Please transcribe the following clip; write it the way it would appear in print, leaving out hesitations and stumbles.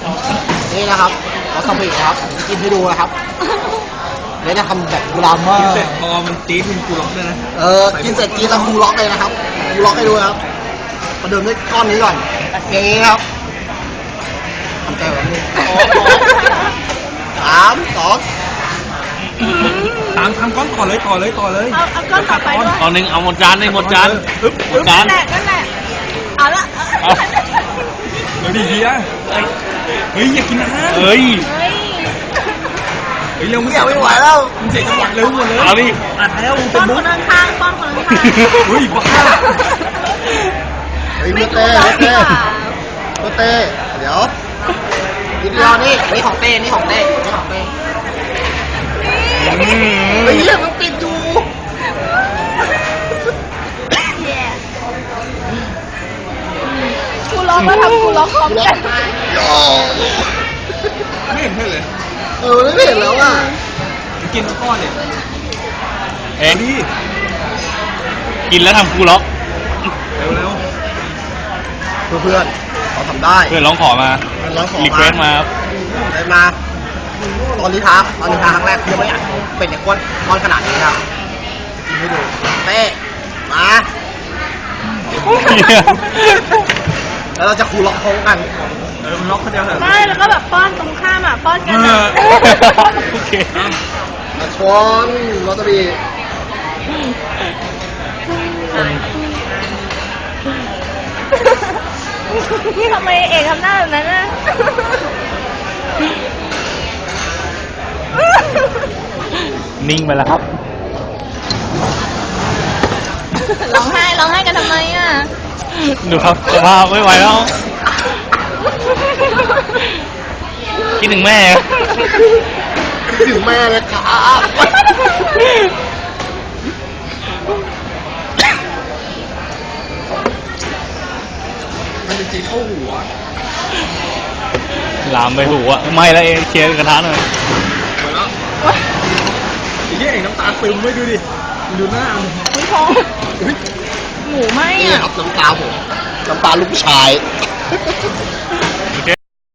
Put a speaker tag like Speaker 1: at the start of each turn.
Speaker 1: นี่นะครับเราทำอีกนะครับกินให้ดูนะครับเดี๋ยวจะทำแบบกุลาม่า
Speaker 2: กินเสร็จพอมันจี๊ดมันกูล็อกด้วยนะ
Speaker 1: กินเสร็จกินแล้วคูล็อกเลยนะครับคูล็อกให้ดูนะครับประเดิมด้วยก้อนนี้ก่อนอย่างนี้ครับทำใจแบบนี้3 2
Speaker 2: ตามทำก้อนต่อเลยต่อเลย
Speaker 3: เอาก้อนต่อไปด้วย
Speaker 4: ตอนนึงเอาหมดจานเลยหมดจานหมดจาน
Speaker 3: นั่นแหละเอาละ
Speaker 2: เดี๋ยวดีเฮียเฮ้ยอย่ากินนะ
Speaker 4: เฮ้ย
Speaker 3: เฮ้ย
Speaker 2: เฮ้ยเร็วมึง
Speaker 1: ไม่ไหวแล้ว
Speaker 2: มึงเสียจังหวะเร็วหมดเลย
Speaker 4: เอาดิ
Speaker 2: อัดแล้ว
Speaker 3: ป้อนคนข้างๆป้อนคนข้างๆ
Speaker 2: เฮ้ยบ้า
Speaker 1: เฮ้ย
Speaker 3: ไม่
Speaker 1: เต้
Speaker 3: รู้แล้วดีกว่า
Speaker 1: เต้เดี๋ยวนิดเดียวนี่ของเต้นี่ของเต้นี่ของเต้เฮ้ยมันปิดอยู่
Speaker 3: กูร้องก็ทำกูร้องพร้อมกัน
Speaker 2: ไม่เห็นเลย
Speaker 1: ไม่เห็นแล้วอ่ะ
Speaker 2: กินก้อนเนี่ย
Speaker 4: เอ็ง
Speaker 2: ดิ
Speaker 4: กินแล้วทำคูล็อก
Speaker 2: เร็ว
Speaker 1: เพื่อนเขาทำได้
Speaker 4: เพื่อนร้องขอมา
Speaker 1: ร้องขอ
Speaker 4: รีเควสมาครับ
Speaker 1: ได้มา ตอนนี้ท้าครั้งแรกยังไม่อยากเป็นเนี่ยก้อนขนาดนี้ครับกินให้ดูเต้มาแล้วเราจะคูล็อกพร้อมกัน
Speaker 2: มันล็อกคนเดียวเหรอ
Speaker 3: ไม่แล้วก็แบบป้อนตรงข้ามอ่ะป้อนกันอะ
Speaker 4: โอเค
Speaker 1: มาช้อนวาซาบิ
Speaker 3: ทำไมเอกทำหน้าแบบนั้นน่ะ
Speaker 4: นิ่งไปแล้วครับ
Speaker 3: ร้องไห้กันทำไมอ่ะ
Speaker 4: ดูครับสภาพไม่ไหวแล้ว คิดถึงแม่
Speaker 1: ถึงแม่เลยครับ มันจริงๆเข้าหัว
Speaker 4: ลามไปหูอะไม่แล้วเองเคลียร์กระทะหน่อย
Speaker 2: หมดแล้วไอ้เหี้ยเองน้ำตาซึมไม่ดูดิดูหน้ามึง
Speaker 3: คุณพงษ์หมูไหม
Speaker 1: นี่
Speaker 3: อ่ะ
Speaker 1: ครับน้ำตาผมน้ำตาลูกชาย